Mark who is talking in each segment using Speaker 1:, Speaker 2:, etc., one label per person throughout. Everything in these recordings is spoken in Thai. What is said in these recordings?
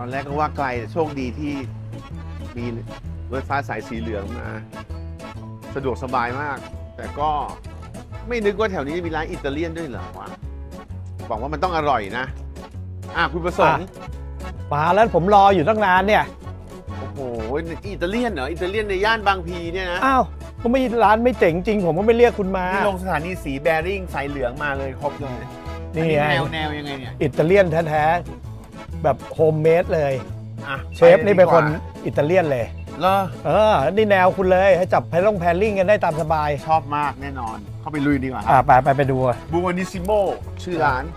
Speaker 1: อนแรกก็ว่าไกลแต่โชคดีที่มีรถไฟฟ้าสายสีเหลืองมา สะดวกสบายมาก แต่ก็ไม่นึกว่าแถวนี้มีร้านอิตาเลียนด้วยเหรอวะหวังว่ามันต้องอร่อยนะคุณประสงค์
Speaker 2: มาแล้วผมรออยู่ตั้งนานเนี่ย
Speaker 1: โอ้โหอิตาเลียนเหรออิตาเลียนในย่านบางพีเนี่ยนะ
Speaker 2: อ้าวก็ไม่ร้านไม่เจ๋งจริงผมก็ไม่เรียกคุณมา
Speaker 1: นี่ลงสถานีสีแบริ่งสายเหลืองมาเลยครบเลย
Speaker 2: นี่
Speaker 1: อั
Speaker 2: ไง
Speaker 1: แนวยังไงเนี่ย
Speaker 2: อิตาเลียนแท้ๆแบบโฮมเมดเลย
Speaker 1: อ่ะ
Speaker 2: เชฟนี่เป็นคนอิตาเลียนเลย
Speaker 1: เหรอ
Speaker 2: นี่แนวคุณเลยให้จับแพลลิ่งกันได้ตามสบาย
Speaker 1: ชอบมากแน่นอน เข้าไปลุยดีกว่า
Speaker 2: ไปดู
Speaker 1: บูวานิซิโมชื่อร้าน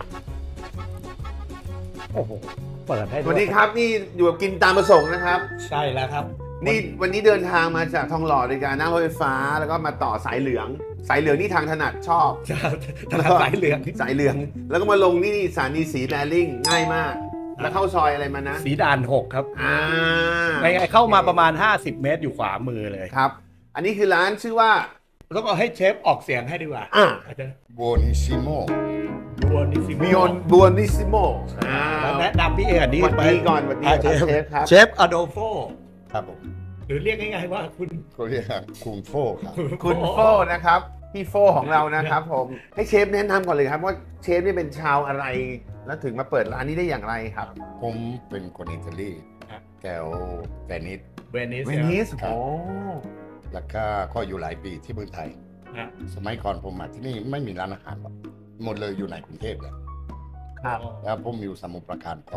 Speaker 2: โอ้โหเปิดให้
Speaker 1: สวัสดีครับนี่อยู่กับกินตามประสงค์นะครับ
Speaker 2: ใช่แล้วครับ
Speaker 1: นี่วันนี้เดินทางมาจากทองหล่อโดยการนั่งรถไฟฟ้าแล้วก็มาต่อสายเหลือง สายเหลืองนี่ทางถนัดชอบ
Speaker 2: สายเหลือง
Speaker 1: สายเหลือง แล้วก็มาลงนี่สถานีสีแบริ่งง่ายมาก แล้วเข้าซอยอะไรมานะ
Speaker 2: สีด่าน6ครับ
Speaker 1: อ่า
Speaker 2: เข้ามาประมาณ50 เมตรอยู่ขวามือเลย
Speaker 1: ครับ อันนี้คือร้านชื่อว่า
Speaker 2: แล้วก็ให้เชฟออกเสียงให้ดีกว่า อาจจะ
Speaker 3: Buonissimo
Speaker 2: บัวนิซิ
Speaker 1: บิออนบัวนิซิโม
Speaker 2: แล้วแนะนำพี่เอกนี่
Speaker 1: วันนี้ก่อนวันนี้ครับเชฟครับ
Speaker 2: เชฟอโดโฟ
Speaker 3: ครับผม
Speaker 2: หรือเรียกง่ายๆว่าคุณ
Speaker 3: เขาเรียกคุงโฟครับ
Speaker 1: คุณโฟนะครับพี่โฟของเรานะครับผมให้เชฟแนะนำก่อนเลยครับว่าเชฟนี่เป็นชาวอะไร แล้วถึงมาเปิดร้านนี้ได้อย่างไรครับ
Speaker 3: ผมเป็นคนอิตาลี
Speaker 2: ครับ
Speaker 3: แถวเวนิส
Speaker 2: เวนิส
Speaker 1: เวนิส
Speaker 3: ครับ
Speaker 1: โอ้
Speaker 3: แล้วก็อยู่หลายปีที่เมืองไทย สมัยก่อนผมมาที่นี่ไม่มีร้านอาหารหรอกหมดเลยอยู่ในกรุงเทพเลย
Speaker 1: ครับ
Speaker 3: แล้วผมอยู่สมุทรปราการพอ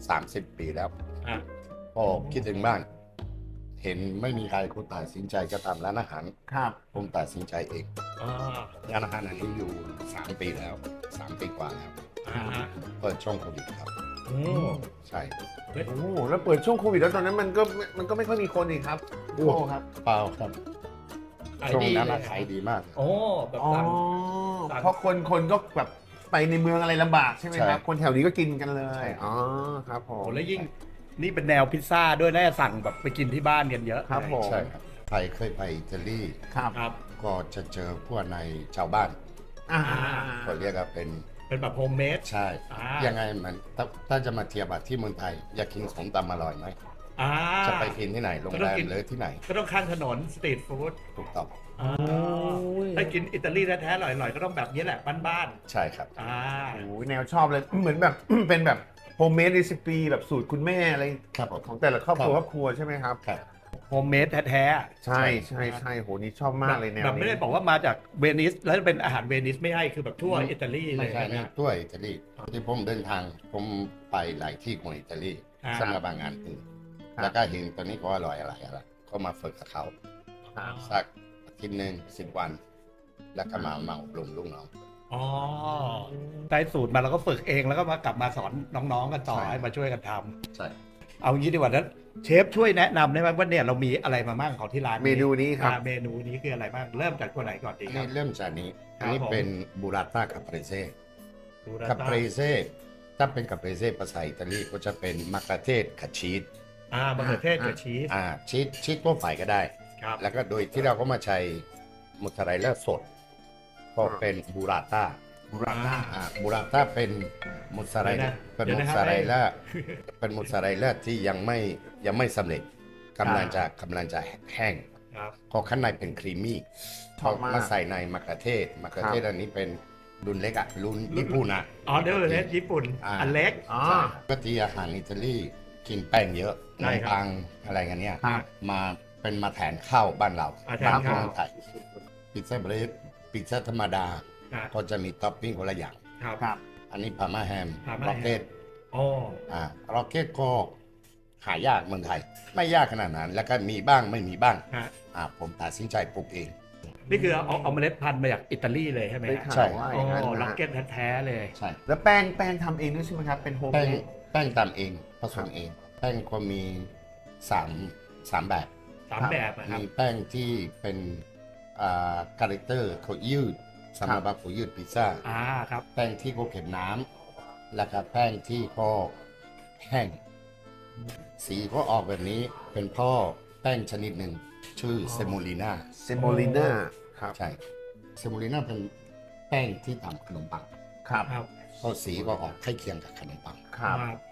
Speaker 3: 30 ปีแล้ว
Speaker 2: อ่ะ
Speaker 3: พอคิดถึงบ้าน เห็นไม่มีใครคนตัดสินใจจะทำร้านอาหาร
Speaker 1: ครับ
Speaker 3: ผมตัดสินใจเอง
Speaker 2: อ่า
Speaker 3: ร้านอาหารอันนี้อยู่3 ปีแล้ว3 ปีกว่าแล้ว
Speaker 2: อ่า
Speaker 3: เปิดช่วงโควิดครับ
Speaker 2: โอ้
Speaker 3: ใช่
Speaker 1: โอ้แล้วเปิดช่วงโควิดแล้วตอนนั้นมันก็ไม่ค่อยมีคนอีกครับโอ้ครับ
Speaker 3: เปล่าครับช่วงนั้นขายดีมาก
Speaker 2: โอ้แบบ
Speaker 1: อ๋อ
Speaker 2: สั่ง
Speaker 1: เพราะคนก็แบบไปในเมืองอะไรลำบากใช่ไหมครับ
Speaker 3: ใช่
Speaker 1: คนแถวนี้ก็กินกันเลย
Speaker 3: ใช่
Speaker 1: อ๋อครับผ
Speaker 2: โอ้
Speaker 1: ม
Speaker 2: แล้วยิ่งนี่เป็นแนวพิซซ่าด้วยน่าจะสั่งแบบไปกินที่บ้านกันเยอะ
Speaker 1: ครับผม
Speaker 3: ใช่ครับไทยเคยไปอิตาลี
Speaker 1: ครับ
Speaker 2: ครับ
Speaker 3: ก็จะเจอพวกในชาวบ้าน
Speaker 1: อ่า
Speaker 3: เขาเรียกว่าเป็น
Speaker 2: เป็นแบบโฮมเมด
Speaker 3: ใช่
Speaker 2: อ่า
Speaker 3: ยังไงมันถ้าจะมาเทียบกับที่เมืองไทย อยากกินของตำอร่อยไหม
Speaker 2: อ่า
Speaker 3: จะไปกินที่ไหนโรง
Speaker 2: ก็
Speaker 3: แร
Speaker 2: ต้อง
Speaker 3: ม
Speaker 2: กิน
Speaker 3: หรือที่ไหน
Speaker 2: ก็ต้องข้างถนนสตรีทฟู้ด
Speaker 3: ถูกต้อง
Speaker 2: ถ้ากินอิตาลีแท้ๆอร่อยๆก็ต้องแบบนี้แหละบ้าน
Speaker 3: ใช่ครับ
Speaker 2: ๆอ่า
Speaker 1: โอ้ยแนวชอบเลย เหมือนแบบ เป็นแบบโฮมเมดรีซิปีแบบสูตรคุณแม่อะไร
Speaker 3: ครับผม
Speaker 1: ของแต่ละครอบครัว
Speaker 3: ครับ
Speaker 1: ครอบครัวใช่ไหมครับ
Speaker 3: ครับ
Speaker 2: โฮมเมดแท้
Speaker 1: ใช่ใช่ใช่โหนี่ชอบ
Speaker 2: ๆ
Speaker 1: มากเลยแนว
Speaker 2: แบบไม่
Speaker 1: นี้
Speaker 2: ได้บอกว่ามาจากเวนิสแล้วเป็นอาหารเวนิสไม่ใช่คือแบบทั่วอิตาลีเล
Speaker 3: ไม่
Speaker 2: ย
Speaker 3: ใช่นะ
Speaker 2: นะ
Speaker 3: ด้วยอิตาลีที่ผมเดินทางผมไปหลายที่ของอิตาลี
Speaker 2: อ่า
Speaker 3: สำหรับบางงานอื่นแล้วก็เห็นตัวนี้ก็อร่อยอะไรก็มาฝึกกับเขา
Speaker 1: ครับ
Speaker 3: สักอาทิตย์หนึ่ง10 วัน แล้วก็มาอบรมลูกน้อง
Speaker 2: อ๋อได้สูตรมาแล้วก็ฝึกเองแล้วก็มากลับมาสอนน้องๆกันต่อ
Speaker 3: ใช่
Speaker 2: ให้มาช่วยกันทำ
Speaker 3: ใช่
Speaker 2: เอางี้ดีกว่านั้นเชฟช่วยแนะนำได้ไหมว่าเนี่ยเรามีอะไรมาบ้างของที่ร้าน
Speaker 1: เมนูนี้ครับ
Speaker 2: เมนูนี้คืออะไรบ้างเริ่มจากตัวไหนก่อนดี
Speaker 3: อัน
Speaker 2: ครั
Speaker 3: นี้
Speaker 2: บ
Speaker 3: เริ่มจากนี้
Speaker 2: ครับ
Speaker 3: อันนี้
Speaker 2: ผม
Speaker 3: เป็นบูราต้าคาเปรเซ่
Speaker 2: ดูนะ
Speaker 3: คาเปรเซ่ถ้าเป็นคาเปรเซ่ภาษาอิตาลีก็จะเป็นมะเขือเทศกับชีส
Speaker 2: มะเขือเทศกับชีส
Speaker 3: ชีสทั่วไปก็ได้
Speaker 2: ครับ
Speaker 3: แล้วก็โดยที่เราก็มาใช้มอสซาเรลล่าสดก็เป็นบูราต้า
Speaker 1: บูราต้า
Speaker 3: บูราต้าเป็นมอสซาเรลล่าเป็นมอสซาเรลล่าเป็นมอสซาเรลล่าที่ยังไม่สำเร็จกำลังจะแห้ง
Speaker 2: ครับ
Speaker 3: พอข้างในเป็นครีมมี่
Speaker 1: ชอบมาก
Speaker 3: มาใส่ในมะเขือเทศอันนี้เป็นรุ่นเล็กอะรุ่นญี่ปุ่นอะ
Speaker 2: อ๋อเดี๋ยวเลยญี่ปุ่น อันเล็ก
Speaker 1: อ๋อ
Speaker 3: ใช่ปกติอาหารอิตาลีกินแป้งเยอะข
Speaker 2: ใช่
Speaker 3: นม
Speaker 2: ครับ
Speaker 3: ปังอะไรกันเนี่ย
Speaker 1: ครับ
Speaker 3: มาแทนข้าวบ้านเรา
Speaker 2: แทน
Speaker 3: บ้าน
Speaker 2: ข้าว
Speaker 3: เมืองไทยพิซซ่าเบรดพิซซ่าธรรมดา
Speaker 2: อ่ะ
Speaker 3: ก็จะมีท็อปปิ้งคนละอย่าง
Speaker 2: ครับ
Speaker 1: ครับ
Speaker 3: อันนี้พาม่าแฮม
Speaker 2: พาม่าแฮม
Speaker 3: ร็อกเก็ต
Speaker 2: อ๋อ
Speaker 3: ร็อกเก็ตก็หายากเมืองไทย ไม่ยากขนาดนั้น แล้วก็มีบ้างไม่มีบ้าง
Speaker 2: ฮะ
Speaker 3: ผมตัดสินใจปลูกเอง
Speaker 2: นี่คือเอาเมล็ดพันธุ์มาจากอิตาลีเลยใช่ไหม
Speaker 1: ได้
Speaker 2: ฮะ
Speaker 1: ข่า
Speaker 3: ใช่
Speaker 1: วว่าอ
Speaker 2: อ๋
Speaker 1: ย่างนั้น
Speaker 2: อล็อก
Speaker 1: นะ
Speaker 2: เก็ตแท้ๆเลย
Speaker 3: ใช่
Speaker 1: แล้วแป้งทำเองด้วยใช่ไหมครับ เป็นโฮม
Speaker 3: แป้
Speaker 1: เม
Speaker 3: ง
Speaker 1: ด
Speaker 3: แป้งตำเองผสมเอง แป้งก็มีสามแบบ
Speaker 2: 3 แบบนะครับ
Speaker 3: มีแป้งที่เป็นคาแรคเตอร์เขายืดสำหรับเขายืดพิซซ่า
Speaker 2: ครับ
Speaker 3: แป้งที่เขาเก็บน้ำแล้วก็แป้งที่เขาแห้ง สีก็ออกแบบนี้เป็นพ่อแป้งชนิดหนึ่งชื่อเซโมลิน่า
Speaker 1: เซโมลิน่าครับ
Speaker 3: ใช่เซโมลิน่าเป็นแป้งที่ทำขนมปัง
Speaker 1: ครับ
Speaker 2: ครับ
Speaker 3: ก็สีก็ออกใกล้เคียงกับขนมปัง
Speaker 1: ครับ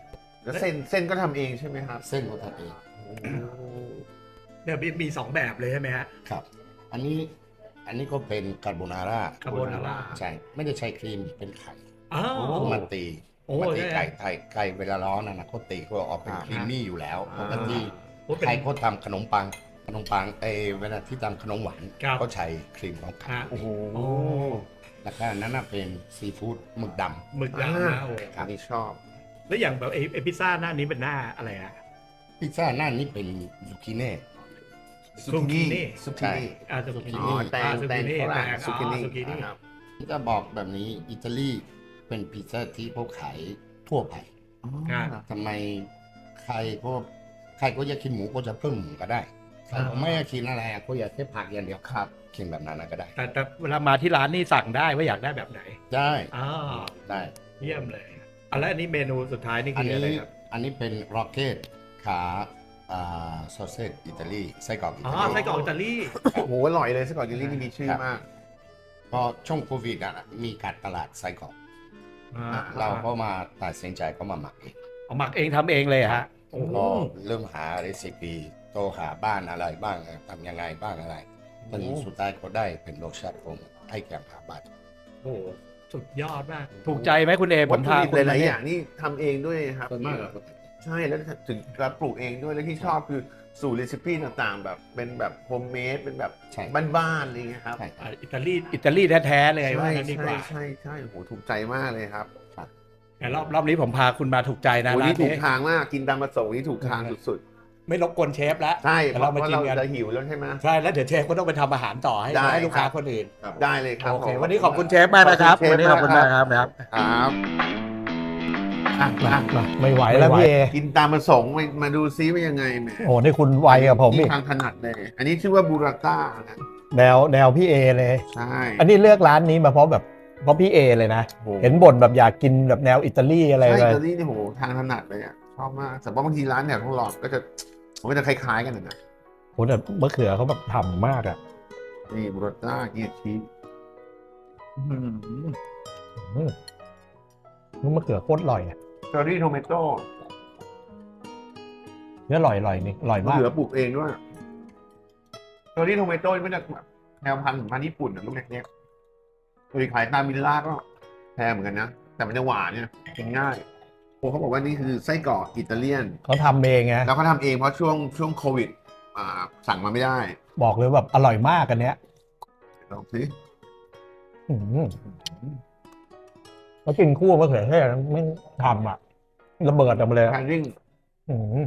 Speaker 1: แล้วเส้นก็ทำเองใช่ไหมครับ
Speaker 3: เส้นก็ทำเอง
Speaker 2: เนี่ยมี2แบบเลยใช่ไหมฮะ
Speaker 3: ครับ อันนี้ก็เป็นคาโบนาร่า
Speaker 2: คาโบนาร่า
Speaker 3: ใช่ไม่ได้ใช้ครีมเป็นไข่
Speaker 2: อ้าว
Speaker 3: มาตี
Speaker 2: โอ้
Speaker 3: มาตี
Speaker 2: ได้
Speaker 3: ไก่เวลาร้อนนะเขาตีก็ออกเป็นครีมมี่อยู่แล้วปกติ
Speaker 2: โอ้เป็น
Speaker 3: ใครเขาทำขนมปังเวลาที่ทำขนมหวาน
Speaker 2: ครับ
Speaker 3: ก็ใช้ครีมของไข่
Speaker 2: ฮะ
Speaker 1: โอ้โห
Speaker 2: โอ้
Speaker 3: แล้วก็อันนั้นนะเป็นซีฟู้ดหมึกดำ
Speaker 2: หมึกดำนะโอ้
Speaker 1: อันนี้ชอบ
Speaker 2: แล้วอย่างแบบไอ้พิซซ่าหน้านี้เป็นหน้าอะไรอะ
Speaker 3: พิซซ่าหน้านี้เป็นซูกิเน่
Speaker 1: ซุกินี่
Speaker 3: ซุกินี่
Speaker 2: ซูกิ
Speaker 1: อ๋
Speaker 2: นี่
Speaker 1: อแตง
Speaker 2: ซู
Speaker 1: แต
Speaker 2: กิ
Speaker 1: ง
Speaker 2: นี่
Speaker 1: ฝรั่ง
Speaker 2: แตง
Speaker 1: ซุกินี่
Speaker 2: ซูกินี่
Speaker 1: ครับ
Speaker 3: จะบอกแบบนี้อิตาลีเป็นพิซซ่าที่พวกขายทั่วไป ทำไมใครก็อยากกินหมูก็จะเพิ่มหมูก็ได้ใครก็ไม่อยากกินอะไรก็อยากแค่ผักอย่างเดียวครับกินแบบนั้นก็ได้
Speaker 2: แต่เวลามาที่ร้านนี่สั่งได้ว่าอยากได้แบบไหน
Speaker 3: ได้
Speaker 2: อ๋อ
Speaker 3: ได้
Speaker 2: เยี่ยมเลยแล้วอันนี้เมนูสุดท้ายนี่
Speaker 3: อัน
Speaker 2: คืออะไร
Speaker 3: นี้
Speaker 2: ครับ
Speaker 3: อันนี้เป็นร็อกเก็ตขาซอสเซจอิตาลีไส้กรอกอิ
Speaker 2: อ๋อ
Speaker 3: ตาลี
Speaker 2: ไส้กรอกอิตาลี
Speaker 1: โอ้โหอร่อยเลยไส้กรอกอิตาลีนี่มีชื่อมาก
Speaker 3: พอช่วงโควิดมีการตลาดไส้กรอก
Speaker 2: อ่า
Speaker 3: เราก็มาตัดสินใจก็มาหมักเอง
Speaker 2: เอาหมักเองทำเองเลยเหรอฮะโอ้โห
Speaker 3: ก็เริ่มหาเรซิปีโตหาบ้านอะไรบ้างทำยังไงบ้างอะไรตอนนี้สุดท้ายก็ได้เป็นโลชั่นผมให้แก่หาบ้าน
Speaker 2: โอ้โหสุดยอดมาก ถูกใจไหมคุณเอผ
Speaker 1: วัต
Speaker 2: ม
Speaker 1: ถุ
Speaker 2: ทาน
Speaker 1: ดิบหลายๆอย่างนี่ทำเองด้วยครับ
Speaker 3: ส่วนมากอะ
Speaker 1: ใช่แล้วถึงการปลูกเองด้วยแล้วที่ชอบคือสูตรเรซิปี้ต่างๆ แบบเป็นแบบโฮมเมดเป็นแบบ
Speaker 3: ใช่
Speaker 1: บ้านๆอะไรเงี้ยครับ
Speaker 3: ใช่
Speaker 2: อิตาลีแท้ๆเลยว่า
Speaker 1: ใช่
Speaker 2: งั้นดีก
Speaker 1: ใช่
Speaker 2: ว่า
Speaker 1: ใช่ใช่โอ้โหถูกใจมากเลยครับ
Speaker 2: แต่รอบนี้ผมพาคุณมาถูกใจนะ
Speaker 1: โอ้
Speaker 2: ร้า
Speaker 1: นี่
Speaker 2: น
Speaker 1: ถู
Speaker 2: นี้
Speaker 1: กทางมากกินตามประสงค์นี่ถูกทางสุด
Speaker 2: ไม่รบกวนเชฟแล้ว
Speaker 1: ๆใช่
Speaker 2: เดี๋ยว
Speaker 1: เพ
Speaker 2: เรา
Speaker 1: ราะ
Speaker 2: มา
Speaker 1: ว่า
Speaker 2: กิน
Speaker 1: เรา
Speaker 2: กัน
Speaker 1: จะหิวแล้วใช่ไหม
Speaker 2: ใช่แล้วเดี๋ยวเชฟก็ต้องไปทำอาหารต่อให้
Speaker 1: ได้
Speaker 2: ให้ลูกค้า
Speaker 1: ครับ
Speaker 2: คนอื่น
Speaker 1: ได้เลยครับ
Speaker 2: โอเค
Speaker 1: ผม
Speaker 2: วันนี้ขอบคุณเชฟมากนะครับ
Speaker 1: ขอบคุณเชฟ
Speaker 2: วันนี้ขอบคุณมากครับนะครับ
Speaker 1: ครับ
Speaker 4: มาไม่ไหวแล้วพี่เอ
Speaker 1: กินตามประสงค์มาดูซิว่ายังไงแหม
Speaker 4: โอ้นี่คุณไวกับผมอี
Speaker 1: นี่
Speaker 4: ก
Speaker 1: ทางถนัดเลย อันนี้ชื่อว่าบูราต้านะ
Speaker 4: แนวพี่เอเลย
Speaker 1: ใช่
Speaker 4: อันนี้เลือกร้านนี้มาเพราะพี่เอเลยนะ
Speaker 1: โอ้โห
Speaker 4: เห็นบ่นแบบอยากกินแบบแนวอิตาลีอะไร
Speaker 1: ใช่
Speaker 4: เล
Speaker 1: อิ
Speaker 4: ย
Speaker 1: ตาลีนี่โหทางถนัดเลยอ่ะชอบมากแต่ว่าบางทีร้านแถวทองหล่อก็จะมันก็จะคล้ายๆกันนะ
Speaker 4: โหแต่มะเขือเขาแบบทำมากอ่ะ
Speaker 1: นี่บูราต้าเกียร์ชีส
Speaker 4: มะเขือโคตรอร่อยอ่ะ
Speaker 1: เชอร์รี่โทเมโต้
Speaker 4: เนื้ออร่อยนี่อร่อย
Speaker 1: มะ
Speaker 4: มาก
Speaker 1: เขือปลูกเองด้วยเชอร์รี่โทเมโต้นี่มันจะแบบแนวพันธุ์ของพันธุ์ญี่ปุ่นนะลูกเล็กๆเคยขายตามมิลล่าก็แพงเหมือนกันนะ แต่มันจะหวานเนี่ยกินง่ายโอ้เขาบอกว่านี่คือไส้กรอกอิตาเลียน
Speaker 4: เขาทำเองไง
Speaker 1: แล้วเขาทำเองเพราะช่วงโควิดสั่งมาไม่ได้
Speaker 4: บอกเลยแบบอร่อยมากกันเนี้ย
Speaker 1: ลองสิ
Speaker 4: แล้วกินคู่มะเขือเทศไม่ทำอ่ะระเบิดออกมาเลย
Speaker 1: แพนดิ้ง
Speaker 4: อืม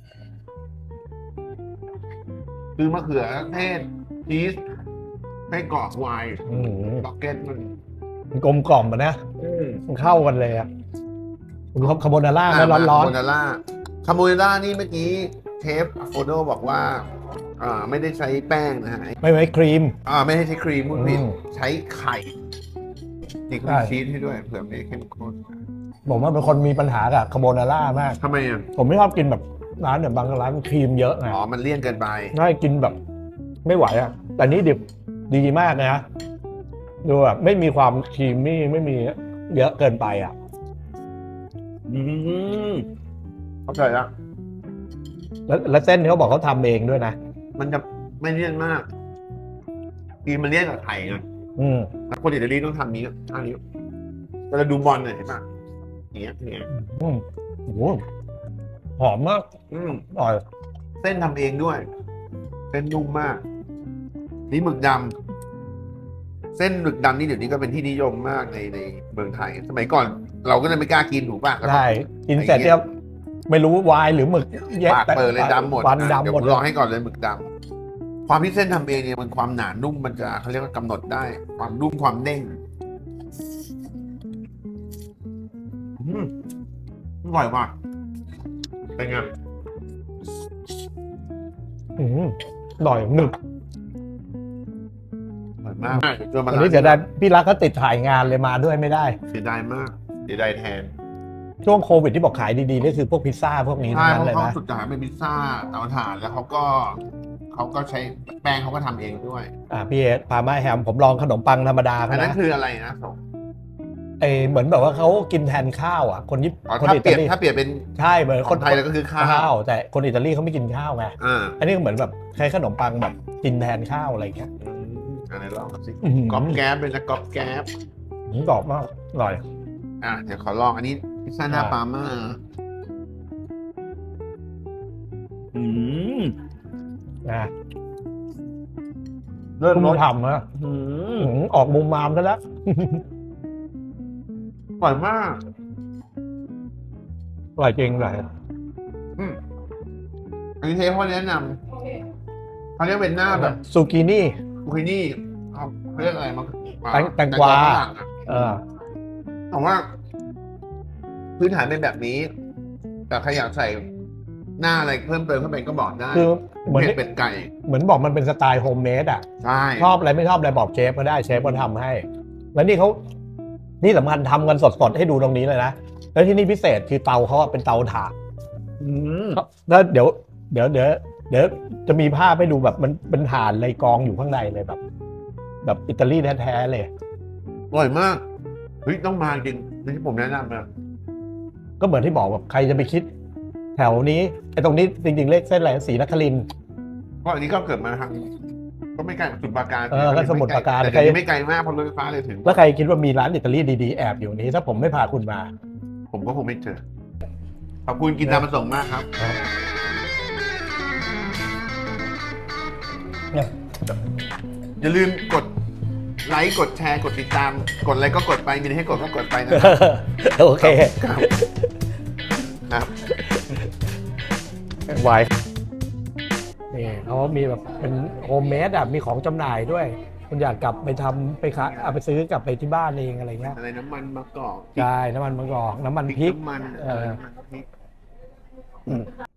Speaker 1: คือมะเขือเทศชีสไส้กรอกไวน์
Speaker 4: อืม
Speaker 1: ล็อกเก็ตมัน
Speaker 4: มันกลมกล่อมอ่ะนะมันเข้ากันเลยอ่ะคุณคาโบนาร่าไม่ร้อน
Speaker 1: คาโบนาร่าคาโบนาร่านี่เมื่อกี้เชฟโฟโดบอกว่าไม่ได้ใช้แป้งนะฮะ
Speaker 4: ๆไม่ไว้ครีม
Speaker 1: ไม่ได้ใช้ครีมพูดผิด
Speaker 4: อืม
Speaker 1: ใช้ไข่นี่ก็
Speaker 4: ใช่
Speaker 1: มีชีสให้ด้วยเผื่อไม่เข้มข้น
Speaker 4: ผมว่าเป็นคนมีปัญหากับคาโบนาร่ามาก
Speaker 1: ทำไมอ่ะ
Speaker 4: ผมไม่ชอบกินแบบร้านเนี่ยบางร้านครีมเยอะไง
Speaker 1: อ๋อมันเลี่ยนเกินไป
Speaker 4: ง่ายกินแบบไม่ไหวอ่ะ แต่นี่ดิบดีมากนะดูแบบไม่มีความครีมมี่ไม่มีเยอะเกินไปอ่ะ
Speaker 1: เข้าใจแล้ว
Speaker 4: แล้วเส้นเขาบอกเขาทำเองด้วยนะ
Speaker 1: มันจะไม่เลี่ยนมากครีมมันเลี่ยนกับไข่ไง
Speaker 4: อืม
Speaker 1: แล้วคนอิตาลีต้องทำนี้ท่านี้เวลาดูบอลเนี่ยเห็นป่ะอย่างเงี้ยอย่างเงี้ย
Speaker 4: อืมโอ้โหหอมมาก อร่อย
Speaker 1: เส้นทำเองด้วย เส้นนุ่มมาก นี่หมึกดำเส้นหมึกดำนี่เดี๋ยวนี้ก็เป็นที่นิยมมากในเมืองไทย สมัยก่อน เราก็เลยไม่กล้ากินถูกป่ะก็ต้อง
Speaker 4: ได้กินเสร็จเนี่ยไม่รู้วายหรือหมึกแยก
Speaker 1: ปากเปิดเลยดำหมด
Speaker 4: ฟัน
Speaker 1: เดี๋ยว
Speaker 4: ดำห
Speaker 1: ผม
Speaker 4: ด
Speaker 1: ลองให้ก่อนเลยหมึกดำความที่เส้นทำเองเนี่ยมันความหนานุ่มมันจะเขาเรียกว่ากำหนดได้ ความนุ่มความเด้งอร่อยว่ะเป็นไง
Speaker 4: อืมอร่อยหนึบ
Speaker 1: อร่อยมากจนมา
Speaker 4: วันนี้จะได้พี่รักก็ติดถ่ายงานเลยมาด้วยไม่ได้
Speaker 1: เสียดายมากเสียดายแทน
Speaker 4: ช่วงโควิดที่บอกขายดีๆนี่คือพวกพิซซ่าพวกนี้
Speaker 1: ใช่
Speaker 4: ทั้งนั้น
Speaker 1: เพ
Speaker 4: เลย
Speaker 1: ราะเขา
Speaker 4: นะ
Speaker 1: สุดท้ายเป็นพิซซ่าเตาถ่านแล้วเขาก็ใช้แป้งเขาก็ทำเองด้วย
Speaker 4: พี่เอพามาแฮมผมลองขนมปังธรรมดา
Speaker 1: อั
Speaker 4: เขา
Speaker 1: นนั้น
Speaker 4: นะ
Speaker 1: คืออะไรนะสม
Speaker 4: เหมือนแบบว่าเขากินแทนข้าวอ่ะคนญี่
Speaker 1: อ๋อ
Speaker 4: คน
Speaker 1: ถ้า
Speaker 4: อิ
Speaker 1: เปลี่
Speaker 4: ตาย
Speaker 1: น
Speaker 4: ลี
Speaker 1: ถ้าเปลี่ยนเป็น
Speaker 4: ใช่เหมือน
Speaker 1: คนไทยแล้วก็คือข้าว
Speaker 4: แต่คนอิตาลีเขาไม่กินข้าวไง
Speaker 1: อ่า
Speaker 4: อันนี้ก็เหมือนแบบใช้ขนมปังแบบกินแทนข้าวอะไรอย่างเงี้ย
Speaker 1: ไหนลองสิ
Speaker 4: อื้อหือ
Speaker 1: ก๊อบแก๊บเป็นนะก๊อบแก๊บ
Speaker 4: กรอบมากอร่อย
Speaker 1: เดี๋ยวขอลองอันนี้พิซซ่าหน้าปาล์ม่า
Speaker 2: อืม
Speaker 4: นะ
Speaker 1: เริ่ม
Speaker 4: คุณ
Speaker 1: รส
Speaker 4: ทำนะ
Speaker 2: อืม
Speaker 4: ออกมุมมามกันแล้ว
Speaker 1: อร่อยมาก
Speaker 4: อร่อยจริงเลย
Speaker 1: อันนี้เชฟเขาแนะนำเขาเรียกเป็นหน้าแบบ
Speaker 4: ซูกินี่
Speaker 1: ซูกินี่เขาเรียกอะไรมัน
Speaker 4: แตงกวา
Speaker 1: ฝรั่งอะ
Speaker 4: เออ
Speaker 1: แต่ว่า พื้นฐานเป็นแบบนี้ แต่ใครอยากใส่หน้าอะไรเพิ่มเติมเข้าไปก็บอกได้
Speaker 4: คือเหมือน
Speaker 1: เผ็ดเป็ดไก่
Speaker 4: เหมือนบอกมันเป็นสไตล์โฮมเมดอ่ะ
Speaker 1: ใช่
Speaker 4: ชอบอะไรไม่ชอบอะไรบอกเชฟก็ได้เชฟก็ทำให้ แล้วนี่เขานี่สำคัญทำกันสดๆให้ดูตรงนี้เลยนะ แล้วที่นี่พิเศษคือเตาเขาอะเป็นเตาถ่าน
Speaker 2: อืม
Speaker 4: แล้วเดี๋ยวจะมีภาพให้ดูแบบมันเป็นถ่านเลยกองอยู่ข้างในเลยแบบอิตาลีแท้ๆเลย
Speaker 1: อร่อยมากเฮ้ยต้องมาจริงที่ผมแนะนำนะ
Speaker 4: ก็เหมือนที่บอกแบบใครจะไปคิด แถวนี้ไอ้ตรงนี้จริงๆเลขเส้นอะไรศรีนครินทร์
Speaker 1: เพราะอันนี้ก็เกิดมาทางก็ไม่ไกลจากสมุทรปราการ
Speaker 4: ก็สมุทรปราการ
Speaker 1: แต่ยังไม่ไกลมากเพราะรถไฟฟ้าเลยถึง
Speaker 4: แล้วใครคิดว่ามีร้านอิตาลีดีๆแอบอยู่นี้ ถ้าผมไม่พาคุณมา
Speaker 1: ผมก็คงไม่เจอขอบคุณกินตามประสงค์มากครับ
Speaker 4: เนี่ย
Speaker 1: อย่าลืมกดไลค์กดแชร์กดติดตาม กดอะไรก็กดไปมีอะไรให้กดก็กดไปนะครับ
Speaker 4: โอเค
Speaker 1: ครับครับ
Speaker 4: ไวน์นี่เขามีแบบเป็นโฮมเมดอ่ะมีของจำหน่ายด้วย คุณอยากกลับไปทำไปขายเอาไปซื้อกลับไปที่บ้านเองอะไรเงี้ย
Speaker 1: อะไรน้ำมันมะกอก
Speaker 4: ใช่น้ำมันมะกอกน้ำมันพริก
Speaker 1: น้ำมัน
Speaker 4: เออ
Speaker 1: น้ำมันพริก